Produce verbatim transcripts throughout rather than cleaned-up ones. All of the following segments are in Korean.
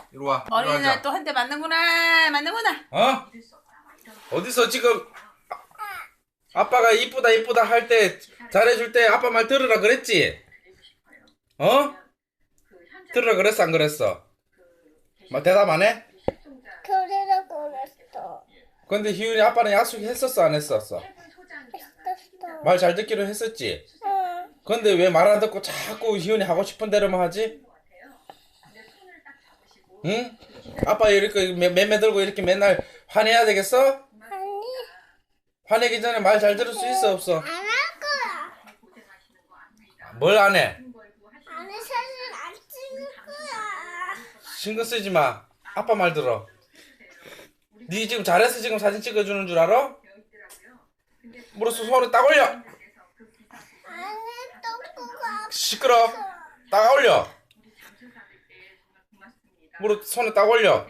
이리 와. 이리 머리는 앉아. 또 한 대 맞는구나. 맞는구나. 어? 어디서 지금 아- 아빠가 이쁘다 이쁘다 할 때 잘해줄 때 아빠 말 들으라 그랬지? 어? 들으라 그랬어 안 그랬어? 뭐 대답 안 해? 그래라 그랬어. 근데 희윤이 아빠는 약속했었어 안 했었어? 했었어. 말 잘 듣기로 했었지? 응. 근데 왜 말 안 듣고 자꾸 희윤이 하고 싶은 대로만 하지? 응? 아빠 이렇게 매- 매매 들고 이렇게 맨날 화내야 되겠어? 아니, 화내기 전에 말 잘 들을 수 있어 없어? 안 할 거야. 뭘 안 해? 아니, 사실 안 찍을 거야. 신경 쓰지 마. 아빠 말 들어. 네 지금 잘해서 지금 사진 찍어주는 줄 알아? 물어서 손을 딱 올려. 아니, 똥꼬가 시끄러. 딱 올려. 무릎 손에 딱 올려.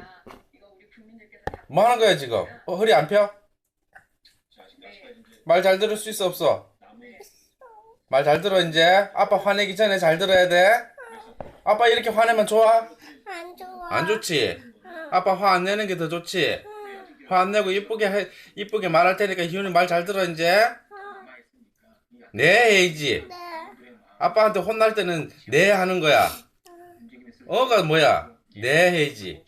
뭐 하는 거야 지금? 어, 허리 안 펴? 말 잘 들을 수 있어 없어? 말 잘 들어 이제. 아빠 화내기 전에 잘 들어야 돼. 아빠 이렇게 화내면 좋아? 안 좋아. 안 좋지? 아빠 화 안 내는 게 더 좋지? 화 안 내고 이쁘게 해, 이쁘게 말할 테니까 희훈이 말 잘 들어 이제. 네 해야지. 네. 아빠한테 혼날 때는 네 하는 거야. 어가 뭐야? 네 해야지.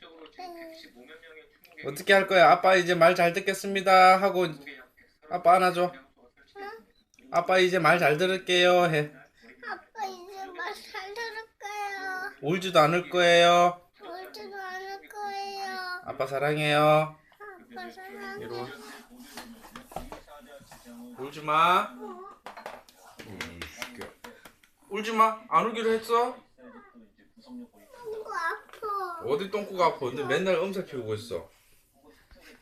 어떻게 할 거야? 아빠 이제 말 잘 듣겠습니다 하고 아빠 안아줘. 아빠 이제 말 잘 들을게요 해. 아빠 이제 말 잘 들을까요? 울지도 않을 거예요. 울지도 않을 거예요. 아빠 사랑해요. 아빠 사랑해. 이리 와. 울지 마. 울지 마. 안 울기로 했어? 똥꼬 아파. 어디 똥꼬가 아파? 근데 맨날 엄살 피우고 있어.